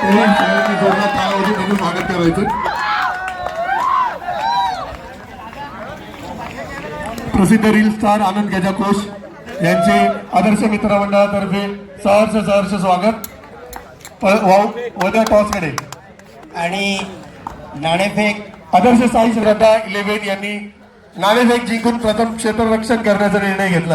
तरी सगळ्यांनी जोरदार तालावधी बघून स्वागत करायचं. प्रसिद्ध रील स्टार आनंद गजाकोश यांचे आदर्श मित्र मंडळातर्फे सहर्ष स्वागत. वद्या टॉसकडे आणि नाणेफेक आदर्श साई श्रद्धा 11 यांनी नाणेफेक जिंकून प्रथम क्षेत्ररक्षण करण्याचा निर्णय घेतला.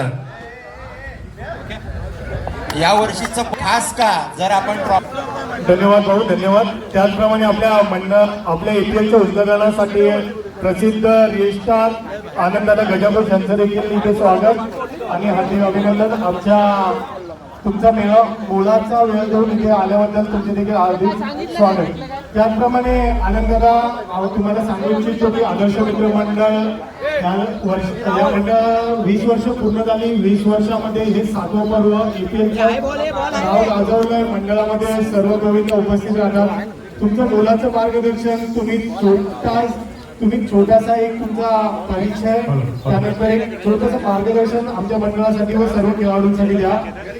या वर्षीचं खास का जर आपण धन्यवाद भाऊ, धन्यवाद. त्याचप्रमाणे आपल्या EPLच्या उद्घाटनासाठी प्रसिद्ध रील स्टार आनंदाला गजाकोश यांचं देखील इथे स्वागत आणि हार्दिक अभिनंदन. तुमचा मोलाचा वेळ देऊन इथे आल्याबद्दल तुमचे देखील हार्दिक स्वागत. त्याचप्रमाणे आनंदाला तुम्हाला सांगू इच्छितो की आदर्श मित्र मंडळ या मंडळ 20 वर्ष पूर्ण झाली. 20 वर्षामध्ये हे 7वं पर्व EPLचं नाव गाजवलंय. मंडळामध्ये सर्व गोविंद उपस्थित राहतात. तुमचं मोलाचं मार्गदर्शन तुम्ही छोटासा एक तुमचा परिचय त्यानंतर एक छोटंसं मार्गदर्शन आमच्या मंडळासाठी व सर्व खेळाडूंसाठी द्या.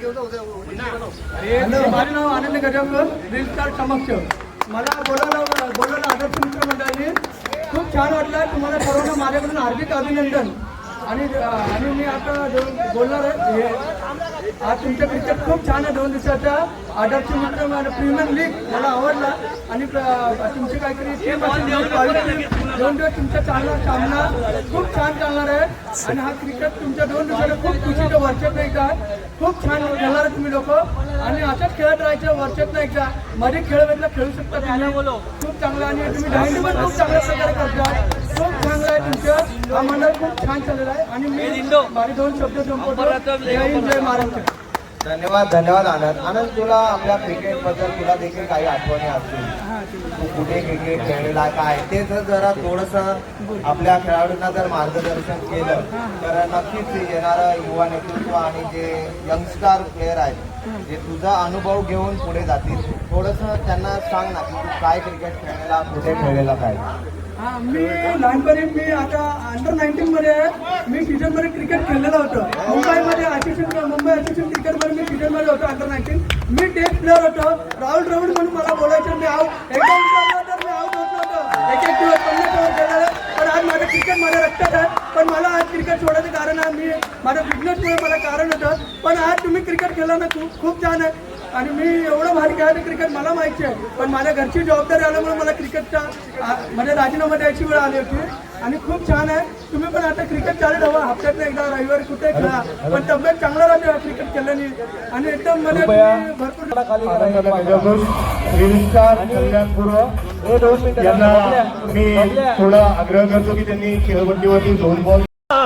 माझे नाव आनंद गजाकोश, रील स्टार समक्ष. मला बोलायला आदर्श मित्र मंडळाने खूप छान वाटलं. तुम्हाला सर्वांना माझ्याकडून हार्दिक अभिनंदन. आणि मी आता बोलणार आहे. आज तुमचं क्रिकेट खूप छान आहे. 2 दिवसाचा आदर्श मित्र प्रीमियर लीग मला आवडला आणि तुमची काहीतरी टीम असेल 2 दिवस तुमचा चांगला सामना खूप छान चालणार आहे. आणि हा क्रिकेट तुमच्या 2 दिवसाला खूप खुशीचं वर्षात एकदा खूप छान खेळणार तुम्ही लोक आणि असंच खेळत राहायचं. वर्षात एकदा मध्ये खेळ खेळू शकता तुम्ही. खूप चांगला आणि तुम्ही डायनिंग पण खूप चांगल्या प्रकारे करता. खूप चांगलं आहे तुमचं. हा मंडळ खूप छान चाललेला आहे आणि मी माझे 2 शब्द संपवतो. जय हिंद, जय महाराष्ट्र. धन्यवाद आनंद. तुला आपल्या क्रिकेट बद्दल तुला देखील काही आठवणी असतील. तू कुठे क्रिकेट खेळलेला काय ते जरा थोडंसं आपल्या खेळाडूंना जर मार्गदर्शन केलं तर नक्कीच येणारं युवा नेतृत्व आणि जे यंगस्टार प्लेयर आहेत जे तुझा अनुभव घेऊन पुढे जातील. थोडंसं त्यांना सांग ना की तू काय क्रिकेट खेळलेला, कुठे खेळलेला काय. मी लहानपणी मी आता अंडर 19 मध्ये मी सीझनमध्ये क्रिकेट खेळलेलं होतं. मुंबई असिस्टंट क्रिकेटमध्ये मी सीझनमध्ये होतो अंडर 19. मी टेस्ट प्लेअर होतो. राहुल द्रविड म्हणून मला बोलायचं. मी एकदा विचारलं तर मी आऊट होत नव्हतं. एक दिवस 50 ओव्हर खेळलेलं. पण आज माझं क्रिकेट माझ्या रक्तात आहे. पण मला आज क्रिकेट सोडायचं कारण आहे मी माझ्या बिझनेसमुळे मला कारण होतं. पण आज तुम्ही क्रिकेट खेळला ना खूप छान आहे. आणि मी एवढं भारी खेळायचं क्रिकेट मला माहिती आहे. पण माझ्या घरची जबाबदारी आल्यामुळे मला क्रिकेटचा म्हणजे राजीनामा द्यायची वेळ आली होती. आणि खूप छान आहे. तुम्ही पण आता क्रिकेट चालू ठेवा. हप्त्यातनं एकदा रविवारी कुठे खेळा. पण तब्येत चांगला राहते क्रिकेट खेळल्याने. आणि एकदम मध्ये भरपूर रील स्टार कल्याणपूर्व यांना मी थोडा आग्रह करतो की त्यांनी खेळपट्टीवरती 2 बॉल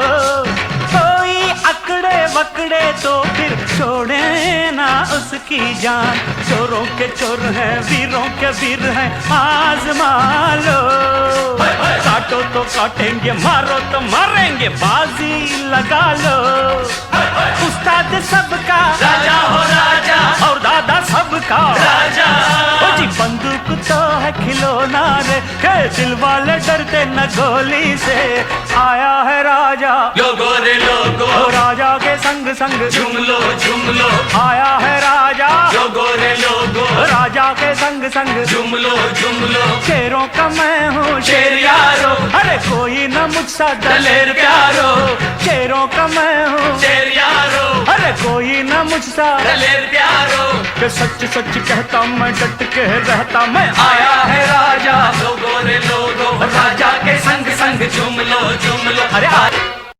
पकड़े तो फिर छोड़े ना उसकी जान. चोरों के चोर हैं, वीरों के वीर हैं, आजमा लो. काटो तो काटेंगे, मारो तो मारेंगे, बाजी लगा लो. उस्ताद सबका राजा हो राजा और दादा सबका राजा. जी बंदूक तो है खिलौना रे, के दिल वाले डरते न गोली से. आया है राजा लोगो रे लोगो, राजा के संग संग झूम लो. आया है राजा लोगो रे लोगो, राजा के संग संग झूम लो. शेरों का मैं हूँ शेर यारो, अरे कोई न मुझसा दलेर प्यारो. शेरों का मैं हूँ शेर यारो, अरे कोई न मुझसा दलेर प्यारो. के सच सच कहता मैं, डट के रहता मैं. आया है राजा लोगो रे लोगो, राजा के संग संग झूम लो. अरे